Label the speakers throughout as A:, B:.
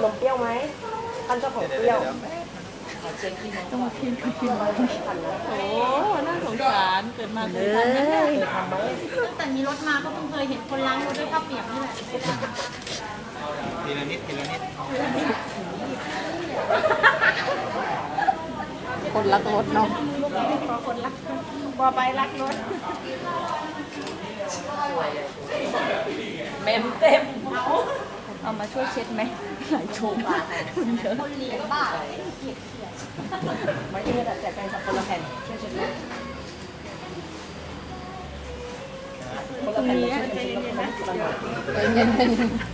A: นมเปรี้ยวไหมท่านชอบของเปรี้ยว
B: ต้องมากินมาโอ้น่าสงสารเกิดมาเคยทำไหม
C: ตั้งแต่มีรถมาก็เพิ่งเคยเห็นคนล้างรถด้วยข้าวเปียกนี่แหละ
D: ทีละนิดทีละนิด
B: คนรักรถเนาะ
C: คนรักบอไปรักรถ
B: เมมเต็มเอามาช่วยเช็ดไหมหลายถุงคุณเยอะ
C: คนเลี้ยงบ้า
A: ไม่ใช่แต่แจกแฟนคลับคนละแผ่นช่วยเช็ดด้วยคนละแผ่นเลยช่วยเช็ดด้วย
B: เย็น
D: เหมือน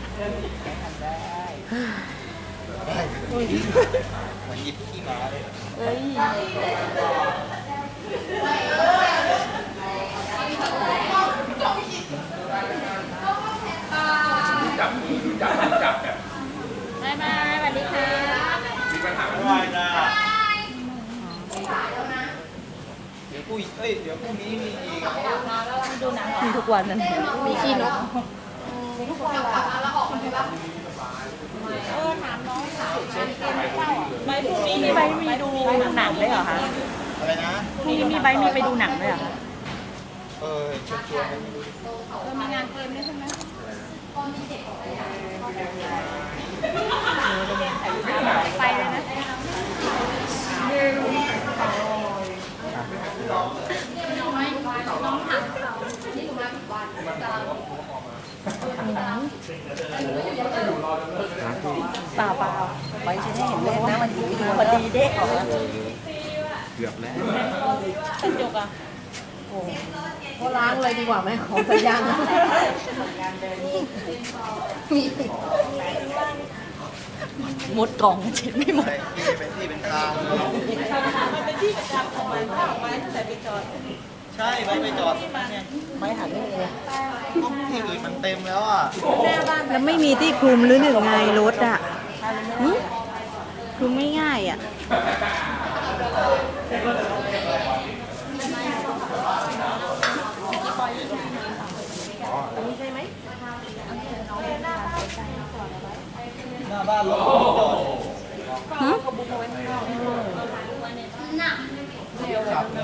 D: หยิบขี้หมาเลย
B: เอ้ยบายบายสวัสดีค่ะ
D: ไม่ได้เดี๋ยวเดี๋ยวพรุ่งนี้มีอีก
B: ดูหนังมีทุกวันนั่นมีขี้นกไม่พรุ่งนี้มีใบมีดูหนังด้วยเหรอคะ
D: อะไรนะ
B: พรุ่งนี้มีใบมีไปดูหนังด้วยเหรอคะ
D: ชวนกันไม่รู้
C: มีงานเกมด้วยใช่ไหม
B: ไปเลยนะ
C: น้องถามเขา
B: เปล่าไปฉันให้เห็นเลขนะมันดีพอดีเด็กออกแล้ว
D: เกือบแล้ว
B: กระจกอ่ะ
A: ก็ล้างเลยดีกว่าไหมของสัญญาณมี
B: หมดกล่องเช็ดไม่หมด
D: ที่เป็นที่เป็นทาง
B: มันเป็นที่ประจำของมันถ้าออกมาตั้งแต่ไปจอด
D: ใช่ไว้ไปจอดเนี่ย
A: ไม่หันไม่มีเลย
D: ที่อื่นมันเต็มแล้วอ่ะ
E: แล้วไม่มีที่คลุมหรือหนึ่งไงรถอ่ะหึคลุมไม่ง่ายอ่ะ
A: อันนี้ใช่ไหม
D: หน้าบ้านรถจอด
E: หึ
D: ขับเนี่ย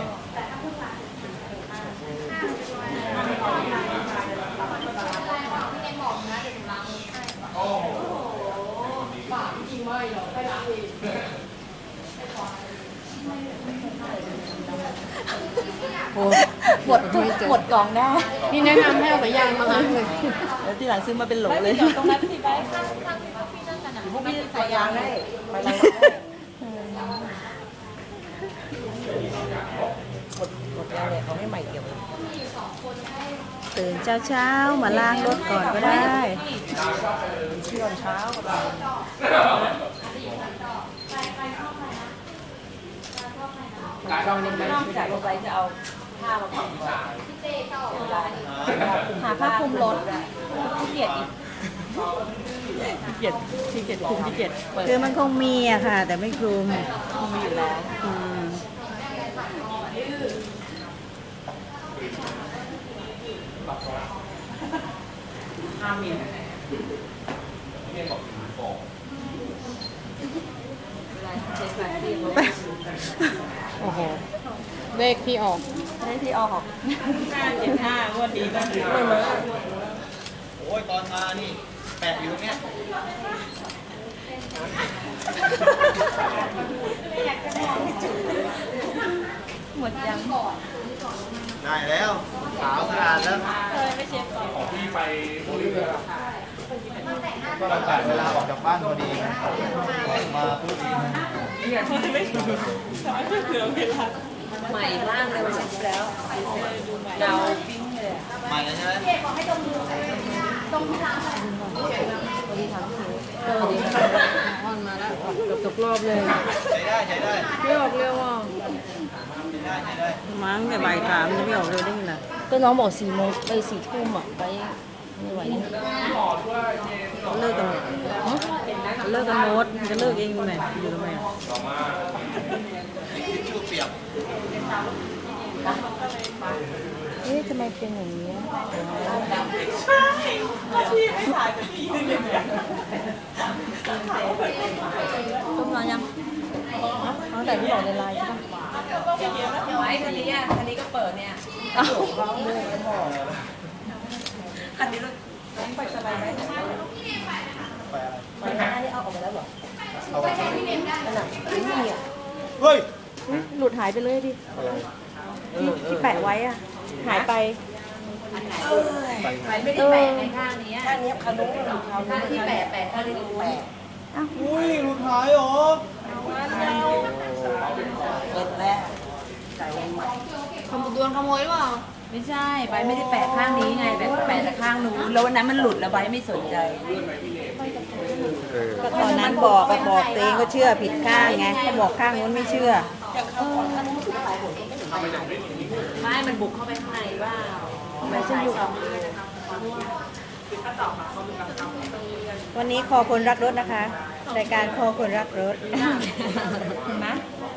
B: หมดหมดกล่องได้
A: นี่แนะนำให้เอาสายยางมาล้างเลย
B: แล้วที่หลังซื้อมาเป็นโหลเลยตรงนั้นสิไป
A: พวกพี่สายยางให้ไปล้างหมดแล้วเลยเขาให้ใหม่เกี่ยวเลย
E: ตื่นเช้ามาล้างรถก่อนก็ได้
A: เชื่อเช้า
B: ลองเล่นไหมไม่ได้ลงไปจะเอาผ้ามาคลุมหาผ้าคลุมรถขี้เกียจอีกขี้เกียจคลุมขี้เกียจเปิด
E: คือมันคงมีอะค่ะ แต่ไม่คลุม
B: คงมีอยู่แล้ว
E: อืม
B: ห้าเมียนโอ้โห
A: เลขที่ออก
B: ได้ที่ออก575วันดีก็ดี
D: โอ้ยตอนมานี่แปะอยู่ตรงเนี้ย
B: หมดยัง
D: ได้แล้วขาวสะอาดแล้ว
B: เคยไม่เช็ดก่อน
D: ก็เราตัดเวลาออกจากบ้านพอดีมาพูดดี
B: ไม่เผื่อเวลา
A: ใหม่ล่างเลยวันนี้แล้วเงาปิ้งเลย
D: ใหม่เลยใช่ไหม
A: ดีอ่อนมาแล้วเกือบตกรอบเลย
D: ใช้ได้ใช้ได้
A: ไม่ออกเร็วอ่ะ
D: ใช้ได้ใช้ได้
E: มั้งแต่บ่ายสามจะไม่ออกเลยได้ไงล่ะ
A: ก็น้องบอก4 โมงไป4 ทุ่มอ่ะไปไม่ไหวนะ
E: เลิกกันหมดเลิกกันหมดจะเลิกเองทำไมอยู่ทำไมอะ
D: ทิชชู่เปียก
A: เอ๊ะทำไมเป็นอย่างนี้
B: ใช่ที่ไม่ถ่ายกับพี่ยืนอย่างเงี้ย
E: แต่ที่บอกในไลน์ใช่ไหม
A: ไว้คันนี้คันนี้ก็เปิดเนี่ย
E: เอ้า
A: คันนี้รถไปสบายไหม
D: ไปอะไร
A: ไปหน้านี่เอาออกมาแล้วเหรอ
D: เอาไป
A: นั่นน่ะไม่มีอ่ะ
D: เฮ้ย
E: หลุดหายไปเลยดิ
D: อะไร
E: ที่แปะไว้อะหายไป
A: ไปไม่ได้แปะในข้างนี้ข้างนี้คันนู้นข้างที่แปะข้างที่แปะ
D: อุ้ยรูท้ายเหรอ
A: เปิดแล้ว
C: ขโมยโดนขโมยหรือเปล่า
A: ไม่ใช่ใบไม่ได้แปะข้างนี้ไงแบบแปะแต่ข้างนู้นแล้ววันนั้นมันหลุดแล้วใบไม่สนใจ
E: ก็ตอนนั้นบอกตัวเองก็เชื่อผิดข้างไงก็บอกข้างนู้นไม่เชื่อ
A: ไม่มันบุกเข้าไปข้างในว่าไม่ใช่อยู่
E: วันนี้คอคนรักรถนะคะรายการคอคนรักรถ
A: เห็นไหม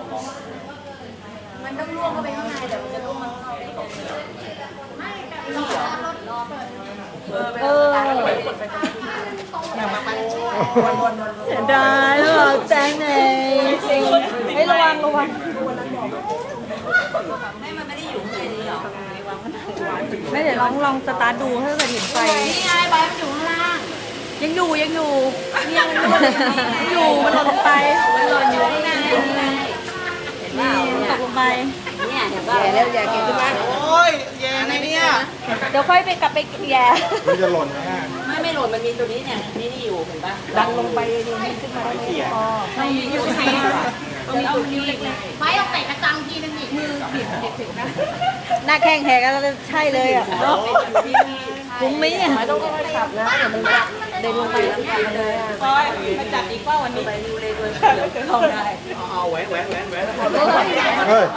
A: มันต้องล่วงเข้าไปข้างในแต่มันจะล่วงมาเข้าได้ก่อนเออ
E: เสียดายหรอแจ้งไงให้ระวังระวัง
A: ไม่มันไม่ได้อยู่ข้างในนี้หรอ
E: ไม่เดี๋ยวลองสตาร์ทดูถ้าเกิดเห็นไฟ
C: นี่ไงใบมันอยู่ข้างล่าง
E: ยังอยู่ยังอยู่มันหล่นลงไป
A: มันหล่นอยู่ข้างในเห็นเปล่า
E: ตกลงไป
A: เนี่ยเห็นเปล่าแล้วอย่าเก็บขึ้นมา
D: โอ้ยแย่นะเนี่ย
E: เดี๋ยวค่อยไปกลับไปแย่
D: มันจะหล่นนะฮะ
A: ไม่หล่นมันมีตัวนี้เนี่ยนี่อยู่เห็นป่ะ
E: ดันลงไปดีนี่ขึ้นมาได้ไหมอ๋อ
A: ไม่มีอยู่ข้างในมันมีตัวนี้เล็ก
C: ใบเอาเตะกระจังทีนึงอีกมือ
E: หน้าแข้งแหกแล้วใช่เลยอ่ะคุ้มไหมเนี่ย
A: ไม่ต้องค่อยๆขับนะเดี๋ยวมันเดินลงไปแล้วกันเลยอ่ะ
B: มาจับอีกว่าวันนี้
A: ไปดูเลยด้วยเข้าได้
D: เอาแหวนแหวนแหวนแหวน
A: เฮ้ย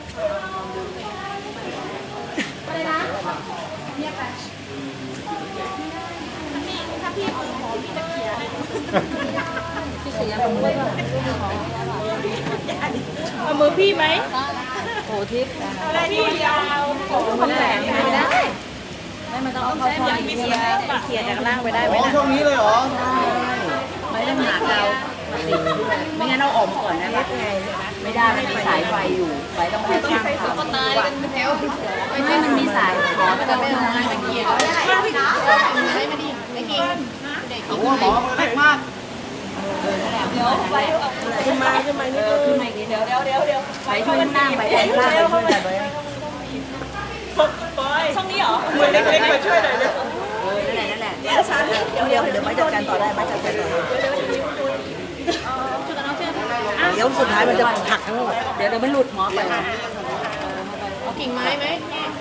B: เอามือพี่ไหม
E: โหทิพย์
B: อะไรที่ยาวของมันแหลม
E: ไม่ได้ไม่มันต้องเอาเข้าช่องนี้เขี่ยจากล่างไปได้ไหม
D: อ๋อ
E: นะ
D: ช่วงนี้เลยเหรอ
A: ไม่ได้หาเราไม่งั้นเราออกมาก่อนนะไม่ได้มันมีสายไฟอยู่ไฟต้องให้ข้างทาง
C: ตายกันเป็นแถว
A: ไม่มันมีสายขอมันจะไม่ทำงานตะเกียบ
C: ไม่ดีไม่กินเด็ก
D: โอ้โหหมอมือเล็กมาก
A: ขึ้นมาอีกนิดเดี๋ยวไปช่วยนั่งไปช่วยล่างไปช่วยอะไรไป
B: ช่องนี้เหรอมือเล็กๆมาช่วยหน่อยเลย
A: นั่นแหละ
E: เดี๋ยวไม่จัดการต่อได้ไม่จัดการต่อได้เดี๋ยวสุดท้ายมันจะหักทั้งหมด
A: เดี๋ยวมันหลุดหมอไป
C: เอากิ่งไม้ไหม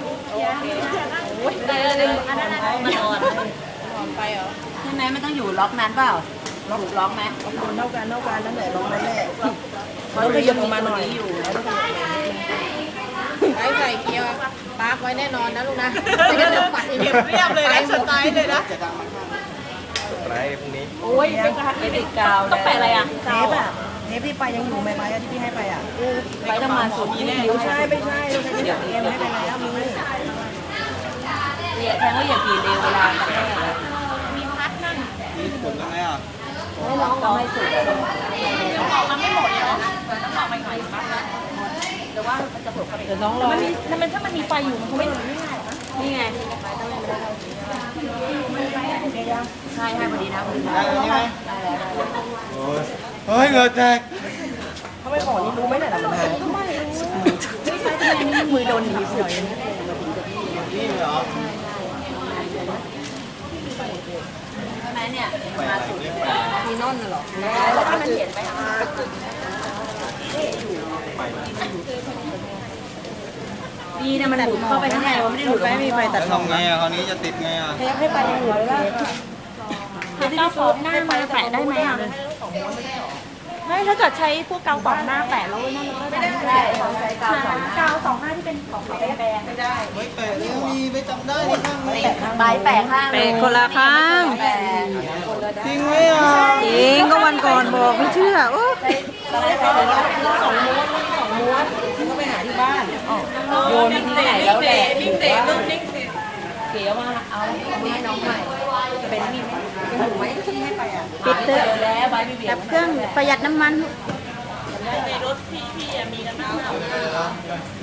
A: มันอ่อนใช่ไหมมันต้องอยู่ล็อกนั้นเปล่าล็อกไหม
E: เท่ากันนั่นแหละลงนั่นแหละแล้วก็ยกลงมาหน่อย
A: อยู่
C: ไว้ใส่เกียร์ปาร์กไว้แน่นอนนะลูกนะไม่งั้นเดี๋ยวปัด
B: เก็บเรียบเลยนะสไตล์เลยนะ
D: ไหนพรุ่งนี้
B: โอ้ยเป็นกระหัต
A: ไม่ติดกาว
B: ต้องแปะอะไรอ่ะ
E: เทปอ่ะเทปที่ไปยังอยู่ไหมไม้ที่พี่ให้ไปอ่ะ
A: ไปต้องมาสุดที่นิ้ว
E: ไม่ใช่เราใช้ที่เอ็มให้ไปแล้วมี
A: เนี่ยแทงว่าอย่าปีนเร็วเวลาแม่
C: มีพัดนั่ง
D: มีผลยังไงอ่ะ
A: ให้ล็อกต้องให้สุด
C: มันไม่หมดเหรอ
A: แต่ว่ามันจะเปิดเข้าไป
E: เดี๋ยวน้องรอ
B: ถ้ามันมีไฟอยู่มันคงไม่
A: นี่ไงใช่ให้พอดีนะพอดี
D: ได้แล้วใช่ไหม
A: ได้แล้ว
D: โอ้ยเฮ้ยเหงื่อแตก
E: เขาไม่บอกนี่รู้ไหมเนี่ยมันหายมือโดนหนีบหน่อย
D: นี่เหรอ
A: ใช่ไหมเนี่ย
D: ไปอะไรเล็กไป
E: มีนอนน่ะหรอ
A: แล้วก็มันเขียนไปดีนะมันหลุดเข้าไปข้างในมันไม่ได้หลุด
E: ไม่มีไฟตั
D: แล้
E: ด
D: วทำไงอ่ะคราวนี้จะติดไงอ่ะ
E: เทปให้ไปยังอยู่เลยว่า
B: กาวฟอกหน้ามาแปะได้ไหมอ่ะไม่ถ้าเกิดใช้พวกกาวฟอกหน้าแปะแล้วนั่นก็ได้
A: ใช่เขาใช้กาวสอง
B: กาวสองหน้าที่เป็นของแบนไม่ได้
D: ไม่แปะแล้วมีไม่จำได้นี่ข้างนี้
A: ใบแปะข้าง
E: เปะคนละข้าง
A: แปะ
D: จริงไหมอ่ะ
E: จริงก็วันก่อนบอกไม่เชื่อโอ้
A: โยนที่ไหนแล้วแหละ
B: นิ่งเตะเริ่มนิ่งเตะ
A: เก๋ว่าเอาให้น้องใหม่จะเป็นมีไหมยังอยู่ไหมที่ให้ไปอ่ะ
E: ปิดเถอะ
A: แล้วใบไม่เบี่ย
E: ดั
A: ง
E: บเครื่องประหยัดน้ำมัน
A: ใ
B: ในรถพี่มีกันมาก